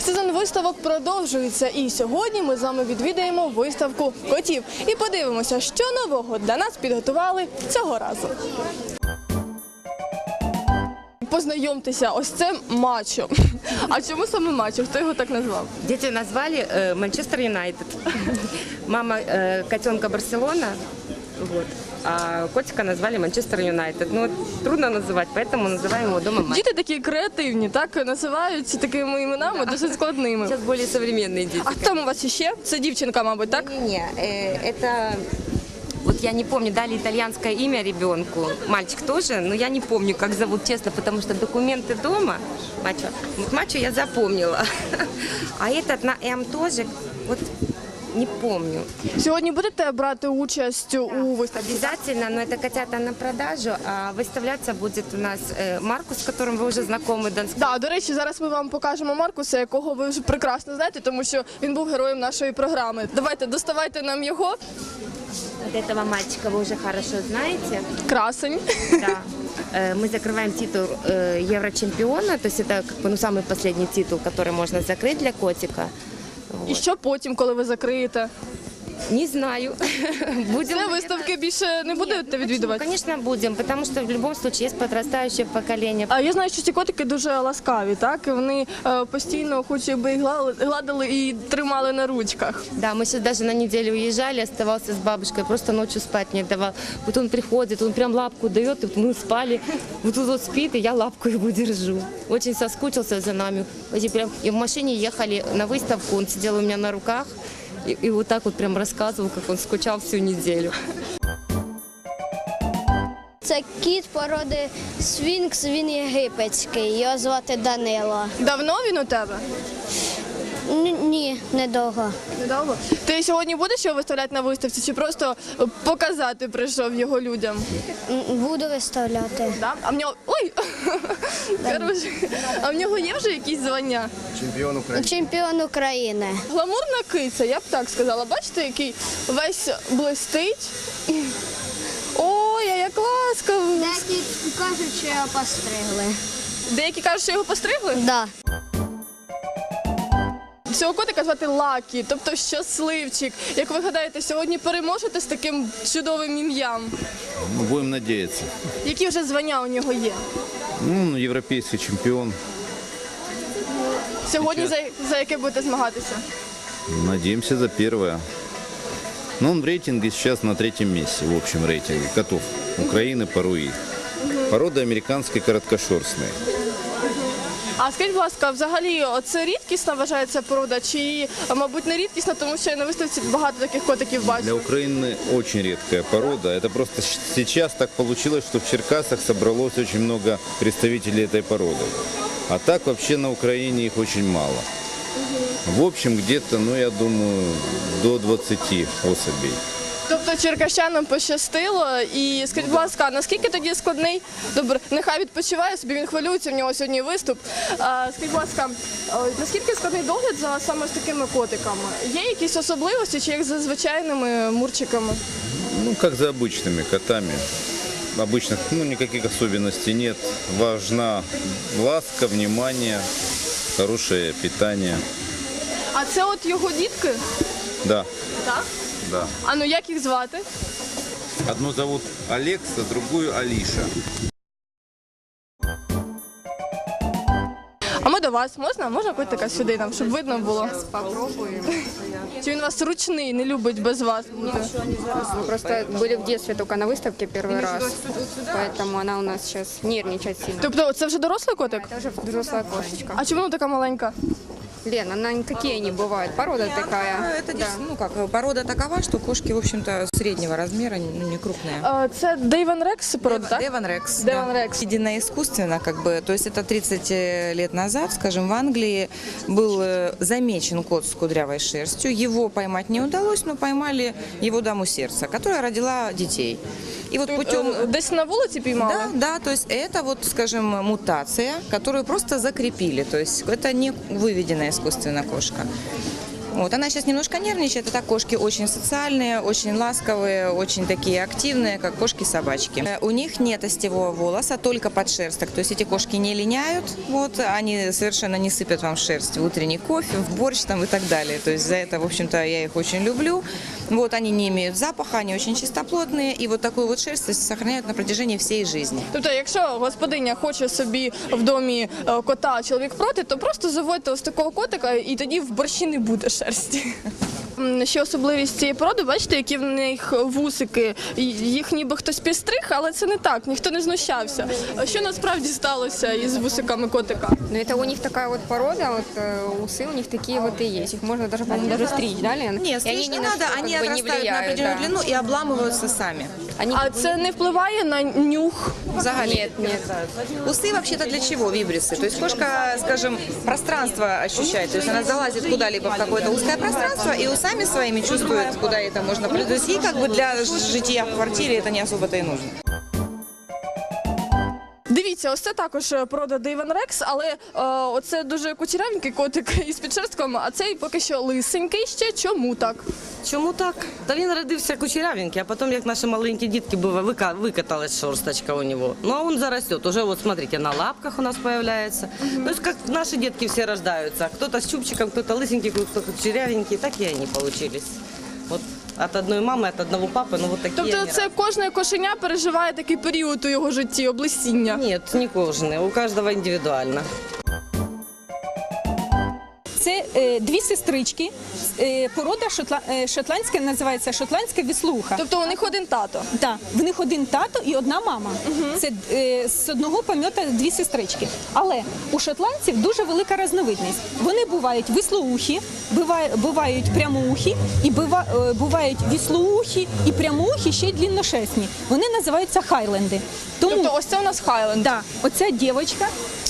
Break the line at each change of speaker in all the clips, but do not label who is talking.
Сезон виставок продовжується, і сьогодні ми з вами відвідаємо виставку котів і подивимося, що нового для нас підготували цього разу. Познайомтеся, ось це Мачо. А чому саме Мачо? Хто його так назвав?
Дети назвали Манчестер Юнайтед. Мама котенка Барселона, вот, а котика назвали Манчестер Юнайтед. Ну, трудно называть, поэтому называем его дома Мачо.
Діти такі креативні, так? Називають такими іменами досить складними.
Сейчас более современные дети.
А хто у вас іще? Це дівчинка, мабуть, так?
Не, это... Вот я не помню, дали итальянское имя ребенку, мальчик тоже, но я не помню, как зовут, честно, потому что документы дома, Мачо, вот Мачо я запомнила, а этот на М тоже, вот не помню.
Сьогодні будете брати участь у виставці?
Обязательно, но это котята на продажу, а выставляться будет у нас Маркус, с которым вы уже знакомы.
Да, до речі, зараз ми вам покажемо Маркуса, якого ви вже прекрасно знаєте, тому що він був героєм нашої програми. Давайте, доставайте нам його.
Вот этого мальчика вы уже хорошо знаете.
Красень.
Да. Мы закрываем титул Еврочемпиона, то есть это как бы, самый последний титул, который можно закрыть для котика.
І що потім, коли ви закриєте?
Не знаю. Будем.
Це виставки більше не будете відвідувати?
Конечно, будем, потому что в любом случае есть подрастающее поколение.
А я знаю, що ці котики дуже ласкаві, так? І вони постійно хочуть, би їх гладили і тримали на ручках.
Да, мы сейчас даже на неделю уезжали, оставался с бабушкой, просто ночью спать не давал. Вот он приходит, он прям лапку дает, и мы спали, вот тут вот спит, и я лапку его держу. Очень соскучился за нами. И в машине ехали на выставку, он сидел у меня на руках, и вот так вот прям рассказывал, как он скучал всю неделю.
Це кіт породи Сфінкс, він єгипетський, його звати Данило.
Давно він у тебе?
Ні, недовго.
Недовго. Ти сьогодні будеш його виставляти на виставці чи просто показати прийшов його людям?
Буду виставляти.
Да? А в нього... Ой! Коротше, а в нього є вже якісь звання?
Чемпіон України.
Чемпіон України.
Гламурна киця, я б так сказала. Бачите, який весь блистить? Ой, а як ласкаво!
Деякі кажуть, що його постригли.
Деякі кажуть, що його постригли?
Да.
Цього котика звати Лакі, тобто щасливчик. Як ви гадаєте, сьогодні переможете з таким чудовим ім'ям?
Будем надеяться.
Які вже звання у нього є?
Ну, европейский чемпион.
Сьогодні за яке будете змагатися?
Надеемся за первое. Но он в рейтинге сейчас на 3-м месте, в общем рейтинге котов Украины по РУИ. Порода американской короткошерстной.
А скажіть, будь ласка, взагалі це рідкісна вважається порода чи, мабуть, не рідкісна, тому що я на виставці багато таких котиків
Для
бачу?
Украины очень редкая порода. Это просто сейчас так получилось, что в Черкасах собралось очень много представителей этой породы. А так вообще на Украине их очень мало. В общем, где-то, ну я думаю, до 20 особей.
Тобто черкащанам пощастило. І скажіть, будь ласка, наскільки тоді складний, добре, нехай відпочиває собі, він хвилюється, в нього сьогодні виступ. Скажіть, будь ласка, наскільки складний догляд за саме з такими котиками? Є якісь особливості чи як за звичайними мурчиками?
Ну, как за обычными котами. Обычных, ну, никаких особенностей нет. Важна ласка, внимание, хорошее питание.
А це от його дітки?
Да,
Так?
да.
А ну як їх звати?
Одну зовут Алекса, другую Алиша.
А ми до вас. Можна? Можна котика сюди нам, щоб видно було?
Попробуем.
Чи він у вас ручний, не любить без вас бути?
Мы просто были в детстве только на выставке первый раз, поэтому она у нас сейчас нервничает сильно.
Тобто це вже дорослий котик?
Это уже взрослая кошечка.
А чому вона така маленька?
Лена, она никакие не бывают, порода такая.
Это ну как, порода такова, что кошки, в общем-то, среднего размера, ну, не крупные.
Це Дейвен Рекс порода, так?
Деван Рекс.
Деван Рекс.
Введена искусственно, как бы, то есть это 30 лет назад, скажем, в Англии был замечен кот с кудрявой шерстью. Его поймать не удалось, но поймали его даму сердца, которая родила детей. И вот путем...
Десь на вулиці піймали?
Да, да, то есть это вот, скажем, мутация, которую просто закрепили, то есть это не выведенная искусственно кошка. Вот, она сейчас немножко нервничает, а так кошки очень социальные, очень ласковые, очень такие активные, как кошки-собачки. У них нет остевого волоса, только подшерсток, то есть эти кошки не линяют, вот, они совершенно не сыпят вам в шерсть в утренний кофе, в борщ там и так далее. То есть за это, в общем-то, я их очень люблю. Вот, они не имеют запаха, они очень чистоплотные, и вот такую вот шерсть сохраняют на протяжении всей жизни.
Тобто, якщо господиня хоче собі в домі кота, а чоловік проти, то просто заводьте ось такого котика, і тоді в борщі не буде шерсті. Ще особливість цієї породи, бачите, які в них вусики, їх ніби хтось підстриг, але це не так, ніхто не знущався. А що насправді сталося із вусиками котика?
Но это у них такая вот порода, вот усы у них такие вот и есть. Их можно даже, по-моему, даже стричь, да, Лен?
Нет,
И
стричь не
ни на
надо,
что,
они
как бы, не
отрастают на
влияют,
определенную
да.
длину и обламываются сами.
Они
А це не впливає на нюх?
Взагалі.
Нет.
Усы вообще-то для чего вибрисы? То есть кошка, скажем, пространство ощущает. То есть она залазит куда-либо в какое-то узкое пространство и усами своими чувствует, куда это можно пройти. То есть ей как бы для жития в квартире это не особо-то и нужно.
Дивіться, ось це також порода Дейвен Рекс, але оце дуже кучерявенький котик із підшерстком, а цей поки що лисенький ще. Чому так?
Чому так? Та він родився кучерявенький, а потім, як наші маленькі дітки, викаталась шерсточка у нього. Ну, а він зарастет. Уже, вот смотрите, на лапках у нас появляется. То есть, как наши детки все рождаются. Кто-то с чубчиком, кто-то лысенький, кто-то кучерявенький. Так и они получились. Вот от одной мамы, от одного папы, ну вот такие
Тобто
они
це кожне кошеня переживає такий період у його житті, облесіння?
Нет, не кожаные, у каждого индивидуально.
Це дві сестрички, порода шотландська, називається шотландська віслуха.
Тобто у них один тато?
Так, в них один тато і одна мама. Це з одного пом'ята дві сестрички. Але у шотландців дуже велика різновидність. Вони бувають вислоухі, бувають прямоухі, і бувають віслоухі і прямоухі, ще й длинношерстні. Вони називаються хайленди.
Тобто ось це у нас Хайленд?
Да, оця дівчинка,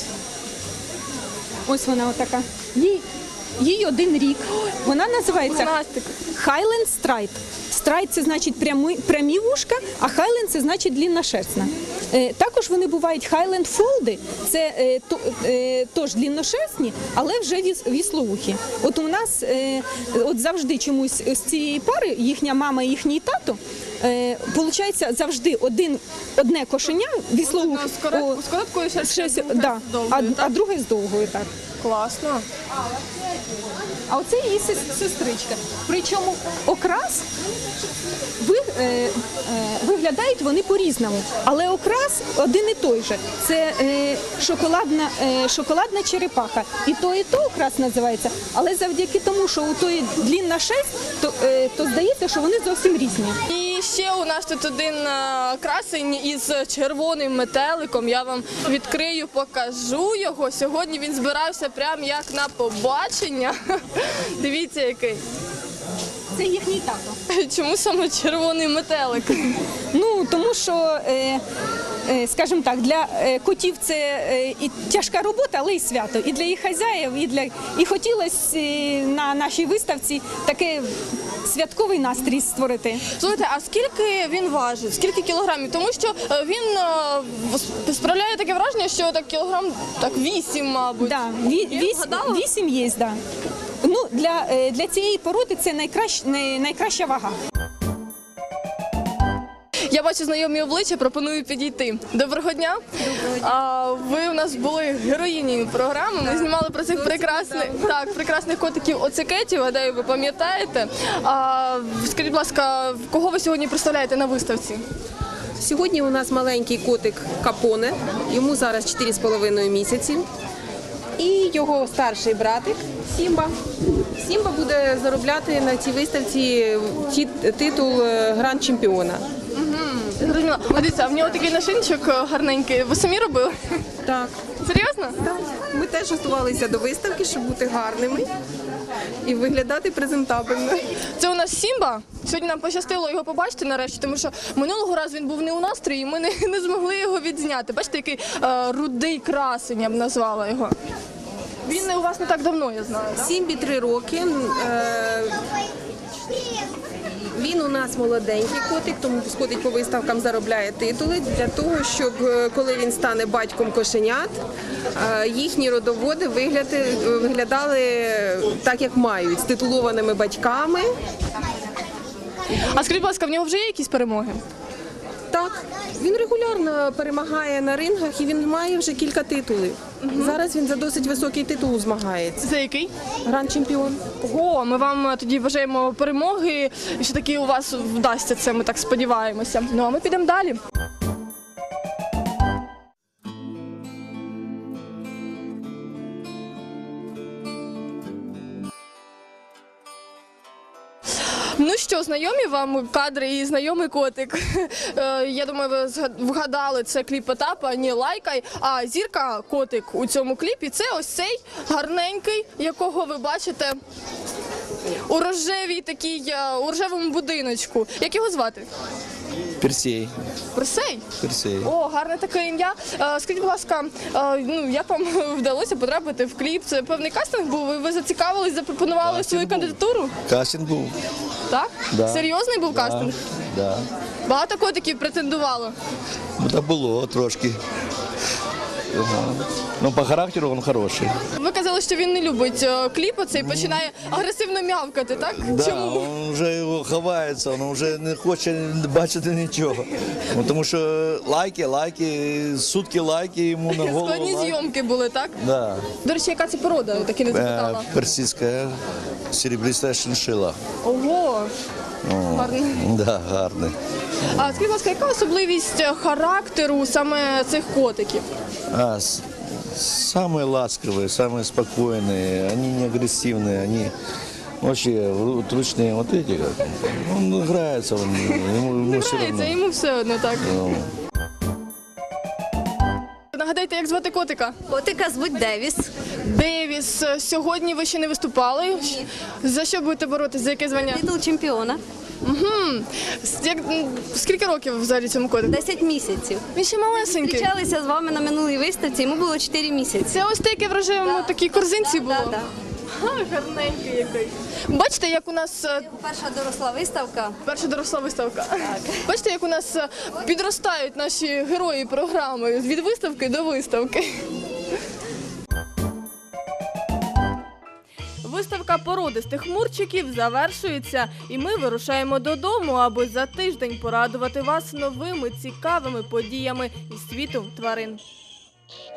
ось вона отака, їй 1 рік. Вона називається
Пухнастик.
Highland Stripe. Страйт – це значить прямі вушка, а Highland – це значить длинношерстна. Також вони бувають Highland Fold, це теж длинношерстні, але вже віслоухі. От у нас от завжди чомусь з цієї пари, їхня мама і їхній тато, получається завжди одне кошеня віслоухе.
З короткою шерстю,
Да, а друге з довгою, так.
Класно.
А оце її сестричка. Причому окрас виглядають вони по-різному, але окрас один і той же. Це шоколадна черепаха. І то окрас називається. Але завдяки тому, що у тої длинна шерсть, то здається, що вони зовсім різні.
І ще у нас тут один красень із червоним метеликом. Я вам відкрию, покажу його. Сьогодні він збирався прямо як на побачення. Дивіться, який.
Це їхній тато.
Чому саме червоний метелик?
Ну, тому що, скажімо так, для котів це і тяжка робота, але й свято. І для їх хазяїв, і хотілося на нашій виставці такий святковий настрій створити.
Слухайте, а скільки він важить? Скільки кілограмів? Тому що він справляє таке враження, що так кілограм 8, мабуть.
Да,
Я вгадала?
8 є, да. Ну, для цієї породи це найкраща вага.
Я бачу знайомі обличчя, пропоную підійти. Доброго дня. Ви у нас були героїні програми. Ми знімали про цих прекрасних котиків оцикетів, гадаю, ви пам'ятаєте. Скажіть, будь ласка, кого ви сьогодні представляєте на виставці?
Сьогодні у нас маленький котик Капоне, йому зараз 4,5 місяці. І його старший братик Сімба. Сімба буде заробляти на цій виставці титул гранд-чемпіона.
Зрозуміла. Дивіться, а в нього такий нашийничок гарненький. Ви самі робили?
Так.
Серйозно?
Так. Ми теж готувалися до виставки, щоб бути гарними і виглядати презентабельно.
Це у нас Сімба. Сьогодні нам пощастило його побачити нарешті, тому що минулого разу він був не у настрої, і ми не змогли його відзняти. Бачите, який рудий красень, я б назвала його. Він у вас не так давно, я знаю, так?
Сімбі 3 роки. Він у нас молоденький котик, тому ходить по виставкам, заробляє титули для того, щоб коли він стане батьком кошенят, їхні родоводи виглядали так, як мають, з титулованими батьками.
А скажіть, будь ласка, в нього вже є якісь перемоги?
Так, він регулярно перемагає на рингах і він має вже кілька титулів. Зараз він за досить високий титул змагається.
Це який?
Гранд-чемпіон.
Ого, ми вам тоді бажаємо перемоги, і що таки у вас вдасться це, ми так сподіваємося. Ну а ми підемо далі. Ну що, знайомі вам кадри і знайомий котик? Я думаю, ви вгадали, це кліп Потапа «Не лайкай». А зірка котик у цьому кліпі – це ось цей гарненький, якого ви бачите у у рожевому будиночку. Як його звати?
Персей.
Персей?
Персей.
О, гарне таке ім'я. Скажіть, будь ласка, як вам вдалося потрапити в кліп? Це певний кастинг був? Ви зацікавились, запропонували свою кандидатуру?
Кастинг був.
Так?
Да.
Серйозний був кастинг?
Да.
Багато котиків претендувало?
Ну, так було трошки. Ага. Ну, по характеру він хороший.
Ви казали, що він не любить кліпи, це і починає агресивно м'явкати, так?
Да,
Чому?
він вже його ховається, він вже не хоче бачити нічого. Ну, тому що лайки, сутки лайки йому на голову.
Складні
лайки.
зйомки були, так?
Да.
До речі, яка це порода? Так і не запитала.
Персидська серебристая шиншила.
Ого! Гарно.
Да, гарний.
А скажіть, будь ласка, яка особливість характеру саме цих котиків?
Самые ласковые, самые спокойные, они не агрессивные, они вообще вот ручные вот эти как. Он играется, ему все равно.
Грається, йому все одно, так. Нагадайте, як звати котика?
Котика звуть Девіс.
Девіс. Сьогодні ви ще не виступали. За що будете боротися? За яке звання?
Титул чемпіона.
Скільки років взагалі цьому котику?
10 місяців.
Він ще малесенький.
Зустрічалися з вами на минулій виставці, йому було 4 місяці.
Це ось таке в рожевому такій корзинці було?
Так.
Гарненький який. Бачите, як у нас
Перша доросла виставка.
перша доросла виставка. Бачите, як у нас підростають наші герої програми від виставки до виставки. Виставка породистих мурчиків завершується, і ми вирушаємо додому, аби за тиждень порадувати вас новими цікавими подіями із світу тварин.